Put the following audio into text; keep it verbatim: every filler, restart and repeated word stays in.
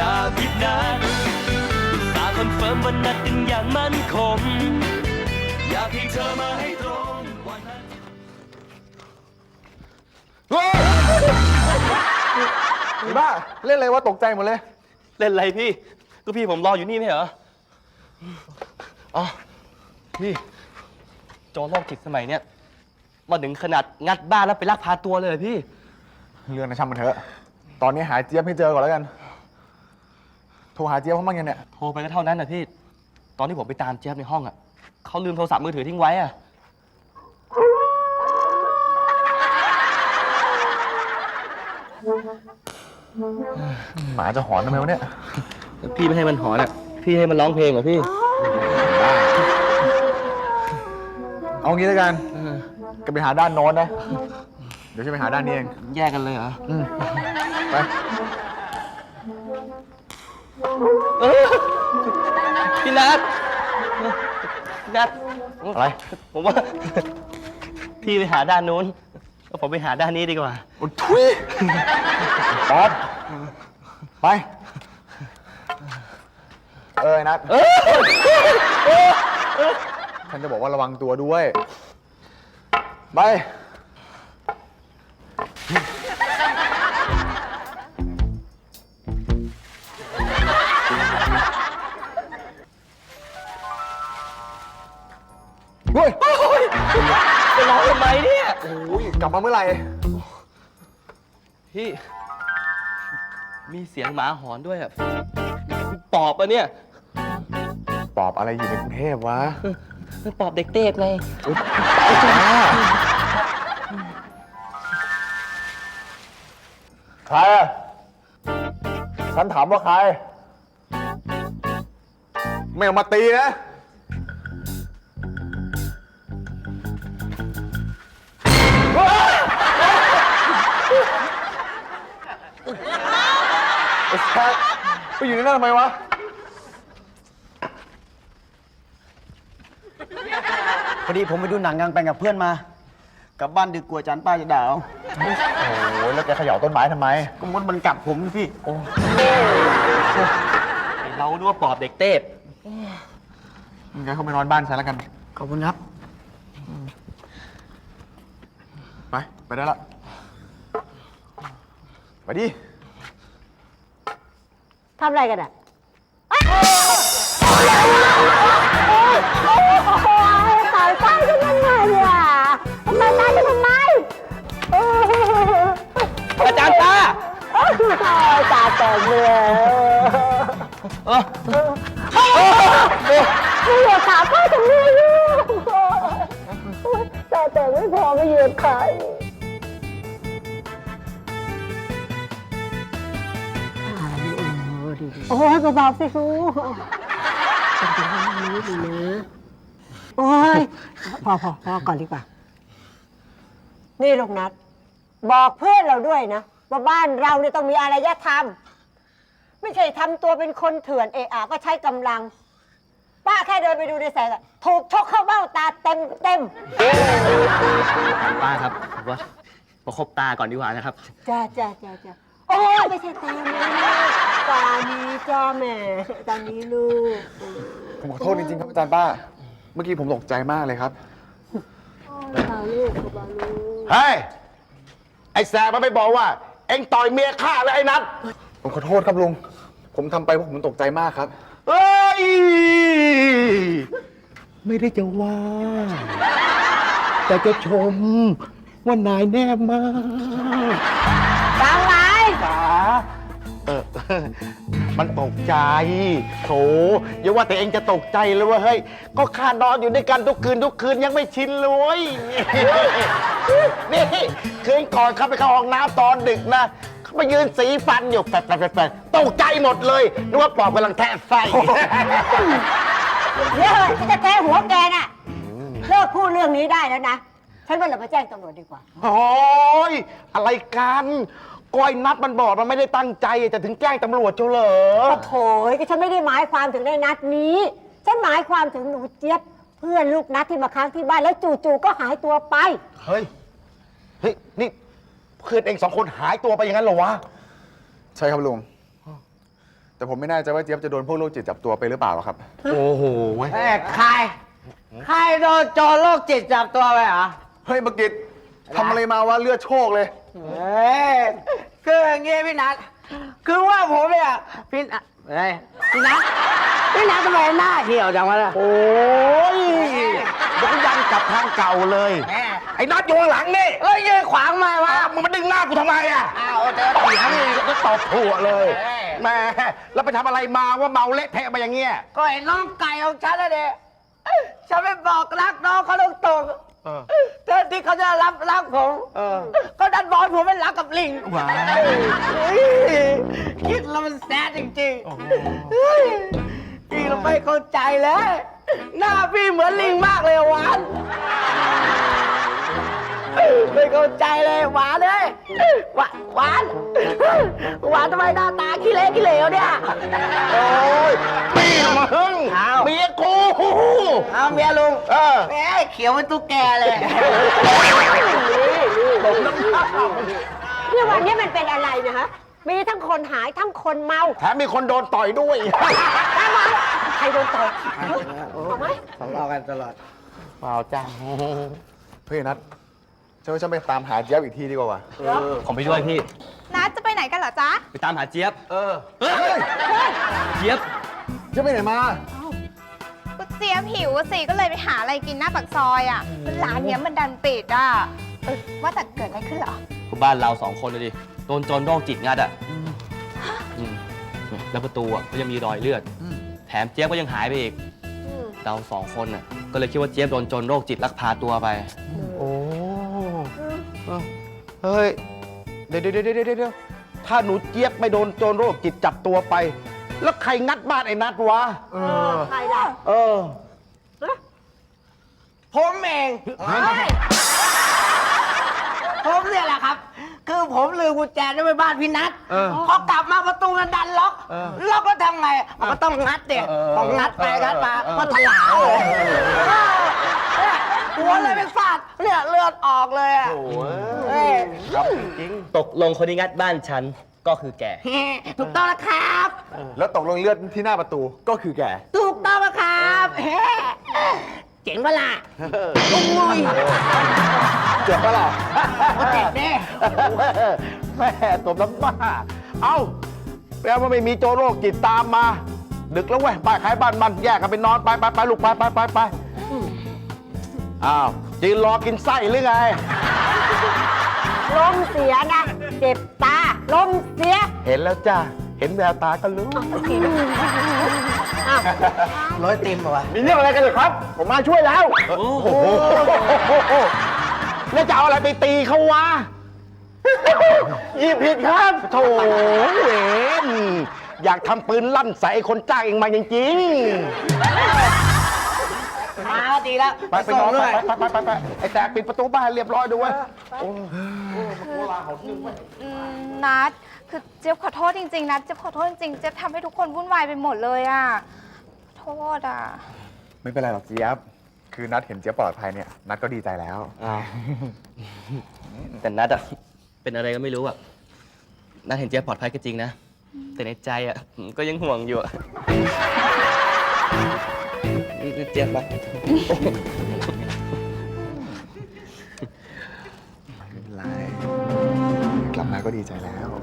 อย่าผิดนัดตาคอนเฟิร์มวันนัดกันอย่างมั่นคงอยากให้เธอมาให้ตรงวันนั้นไอ้บ้าเล่นอะไรวะตกใจหมดเลยเล่นอะไรพี่ก็พี่ผมรออยู่นี่ไม่เหรออ๋อพี่โจรโรคจิตสมัยเนี้ยมาถึงขนาดงัดบ้านแล้วไปลักพาตัวเลยพี่เรื่องนะช่างมันเถอะตอนนี้หาเจี๊ยบให้เจอก่อนแล้วกันโทรหาเจี๊ยบเขาบ้างยังเนี่ยโทรไปก็เท่านั้นนะพี่ตอนที่ผมไปตามเจี๊ยบในห้องอ่ะเขาลืมโทรศัพท์มือถือทิ้งไว้อ่ะหมาจะหอนทำไมวะเนี่ยพี่ไม่ให้มันหอนอ่ะพี่ให้มันร้องเพลงเหรอพี่เอางี้แล้วกันก็ไปหาด้านโน้นนะเดี๋ยวฉันไปหาด้านนี้เองแยกกันเลยเหรอไปพี่นัทพี่นัทอะไรผมว่าพี่ไปหาด้านนู้นแล้วผมไปหาด้านนี้ดีกว่าโอ้ทุยป๊อปไปเอ้ยนัทฉันจะบอกว่าระวังตัวด้วยไปเฮ้ยจะร้องทำไมเนี่ยโอ้ยกลับมาเมื่อไหร่พี่มีเสียงหมาหอนด้วยอ่ะปอบอ่ะเนี่ยปอบอะไรอยู่ในกรุงเทพวะปอบเด็กเทพไงใครฉันถามว่าใครไม่เอามาตีนะไอ้แซคไปอยู่ในนั้นทำไมวะพอดีผมไปดูหนังกลางแปลงกับเพื่อนมากลับบ้านดึกกลัวจันป้าจะด่าเอาโอ้ยแล้วแกเขย่าต้นไม้ทำไมก็มดมันกัดผมพี่โอ้เราดูว่าปอบเด็กเทพงั้นเขาไปนอนบ้านฉันแล้วกันขอบคุณครับไปไปได้ละไปดิทำอะไรกันอ่ะตายตายกันยังไงเนี่ยทำไมตายกันทำไมอาจารย์ตาตาแตกเลยไม่เหยียบขาพ่อทำไมลูกตาแตกไม่พอไม่เหยียบขาโอ้ยเบาๆสิครูเป็นคนที่นี้ดีนะโอ้ยพอพอพอก่อนดีกว่านี่ลูกนัดบอกเพื่อนเราด้วยนะว่าบ้านเราเนี่ยต้องมีอารยธรรมไม่ใช่ทำตัวเป็นคนเถื่อนเอะอะก็ใช้กำลังป้าแค่เดินไปดูในแสงถูกชกเข้าเบ้าตาเต็มเต็มป้าครับว่าประคบตาก่อนดีกว่านะครับจ้าจ้าจ้าจ้าโอ้ยไม่ใช่ตานี้ตานี้จ้าแม่ตานี้ลูกผมขอโทษจริงๆครับอาจารย์ป้าเมื่อกี้ผมตกใจมากเลยครับเบาลูกเบาลูกเฮ้ยไอ้แสบมันไปบอกว่าเอ็งต่อยเมียข้าเลยไอ้นัทผมขอโทษครับลุงผมทำไปเพราะผมตกใจมากครับเฮ้ยไม่ได้จะว่าแต่จะชมว่านายแน่มากฟังไหมจ๋าเออมันตกใจโถอย่าว่าแต่เองจะตกใจเลยว่าเฮ้ยก็ข้านอนอยู่ด้วยกันทุกคืนทุกคืนยังไม่ชินเลยนี่คืนก่อนเข้าไปเข้าห้องน้ำตอนดึกนะเขาไปยืนสีฟันอยู่แปดแปดแปดแปดตกใจหมดเลยนึกว่าปอบกำลังแทะไส้เดี๋ยวจะแทะหัวแกน่ะเลิกพูดเรื่องนี้ได้แล้วนะฉันว่าเราไปแจ้งตำรวจดีกว่าโอ้ยอะไรกันก้อยนัดมันบอกมันไม่ได้ตั้งใจจะถึงแจ้งตำรวจเจ้าเหรอโถ่ก็ฉันไม่ได้หมายความถึงในนัดนี้ฉันหมายความถึงหนูเจี๊ยบเพื่อนลูกนัดที่มาค้างที่บ้านแล้วจู่ๆก็หายตัวไปเฮ้ยเฮ้ยนี่เพื่อนเองสองคนหายตัวไปอย่างนั้นเหรอวะใช่ครับลุงแต่ผมไม่แน่ใจว่าเจี๊ยบจะโดนพวกโรคจิตจับตัวไปหรือเปล่าหรอกครับโอ้โหเว้ยเอ้ยใคร ใครโดนโจรโรคจิตจับตัวไปเหรอเฮ้ยบักกิตทำอะไรมาวะเลือดโชกเลยเฮ้ยคืออย่างงี้พี่นัทคือว่าผมเนี่ยพี่นัทเฮ้ยพี่นัทพี่นัททำไมหน้าเหี่ยวจังวะเนี่ยโอ้ยเดี๋ยวก็ยันกลับทางเก่าเลยแม่ไอ้น็อตอยู่ข้างหลังนี่แล้วยืนขวางมาวะอ้าวมึงมาดึงหน้ากูทำไมอ่ะอ้าวเจอเถียงอีกก็ตอบถั่วเลยเอ้ยแหม่แล้วไปทำอะไรมาว่าเมาเละเทะมาอย่างเงี้ยก็เห็นน้องไก่ของฉันแล้วเด็ฉันไปบอกรักน้องเขาตรงตรงๆเออแทนที่เขาจะรับรักผมเออก็ดันบอกให้ผมเป็นรักกับลิงว้ายเฮ้ยคิดแล้วมันแซดจริงๆเฮ้ยพี่เราไม่เข้าใจเลย หน้าพี่เหมือนลิงมากเลยหวานไม่เข้าใจเลยหวานเลยหวานหวานหวานทำไมหน้าตาขี้เละขี้เหลวเนี่ยโอ้ยปีมึงอ้าวเมียกูเอาเมียลุงเออแหมเขียวเป็นตุ๊กแกเลยเนี่ยวันนี้มันเป็นอะไรนะฮะ มีทั้งคนหายทั้งคนเมาแถมมีคนโดนต่อยด้วยใครโดนต่อยเอาไหมทะเลาะกันตลอดเปล่าจ้าเฮ้ยนัทฉันว่าฉันไปตามหาเจี๊ยบอีกทีดีกว่าวะผมไปด้วยพี่นัดจะไปไหนกันเหรอจ๊ะไปตามหาเจี๊ยบเออเฮ้ยเจี๊ยบเจี๊ยบไปไหนมากูเจี๊ยบหิวอะสิ ก็เลยไปหาอะไรกินหน้าปากซอยอ่ะร้านเนี้ยมันดันปิดอ่ะเออว่าแต่เกิดอะไรขึ้นเหรอก็บ้านเราสองคนเลยดิ โดนโจรโรคจิตงัดอ่ะอืมแล้วประตูอ่ะก็ยังมีรอยเลือด แถมเจี๊ยบก็ยังหายไปอีก เราสองคนอ่ะ ก็เลยคิดว่าเจี๊ยบโดนโจรโรคจิตลักพาตัวไปโอ้เฮ้ย เดี๋ยวเดี๋ยวเดี๋ยวเดี๋ยวถ้าหนูเจี๊ยบไม่โดนโจรโรคจิตจับตัวไป แล้วใครงัดบ้านไอ้นัดวะเออใครล่ะเออผมเองผมเนี่ยแหละครับ คือผมลืมกุญแจไว้ในบ้านพี่นัทเออพอกลับมาประตูมันดันล็อกเออล็อกแล้วทำไงมันก็ต้องงัดเด็กเออต้องงัดไปงัดมาเออก็ถลาเลยเนี่ยหัวเลยไปฟาดเนี่ยเลือดออกเลยอ่ะโอ้ยเอ้ยครับจริงตกลงคนที่งัดบ้านฉันก็คือแกถูกต้องแล้วครับแล้วตกลงเลือดที่หน้าประตูก็คือแกถูกต้องแล้วครับเฮ้เจ๋งเวล่ะโอ้ยเจ็บปะล่ะก็เจ็บเด้แม่ตบน้ำบ้า เอ้าแปลว่าไม่มีโจรโรคจิตตามมา ดึกแล้วเว้ยบ้านใครบ้านมันแยกกันไปนอนไปไปไปลูกไปไปไปไปอ้าวจีนรอกินไส้หรือไงลมเสียนะ เจ็บตา ลมเสียเห็นแล้วจ้าเห็นแววตาก็รู้อ้าวร้อยติมเหรอวะมีเรื่องอะไรกันเหรอครับ ผมมาช่วยแล้ว โอ้โหแล้วจะเอาอะไรไปตีเขาวะหยิบผิดครับโถเวนอยากทำปืนลั่นใส่ไอ้คนจ้างเองมาจริงมาก็ดีแล้วๆ ไปไปนอนไปไปไปไปไปไอ้แตกปิดประตูบ้านให้เรียบร้อยด้วยอืมนัดคือเจี๊ยบขอโทษจริงๆนะเจี๊ยบขอโทษจริงๆเจี๊ยบทำให้ทุกคนวุ่นวายไปหมดเลยอ่ะโทษอ่ะไม่เป็นไรหรอกเจี๊ยบ คือนัดเห็นเจี๊ยบปลอดภัยเนี่ย นัดก็ดีใจแล้วอ้าว แต่นัดอะเป็นอะไรก็ไม่รู้อะนัดเห็นเจี๊ยบปลอดภัยก็จริงนะ แต่ในใจอะก็ยังห่วงอยู่อะนี่เจี๊ยบปะไม่เป็นไร กลับมาก็ดีใจแล้ว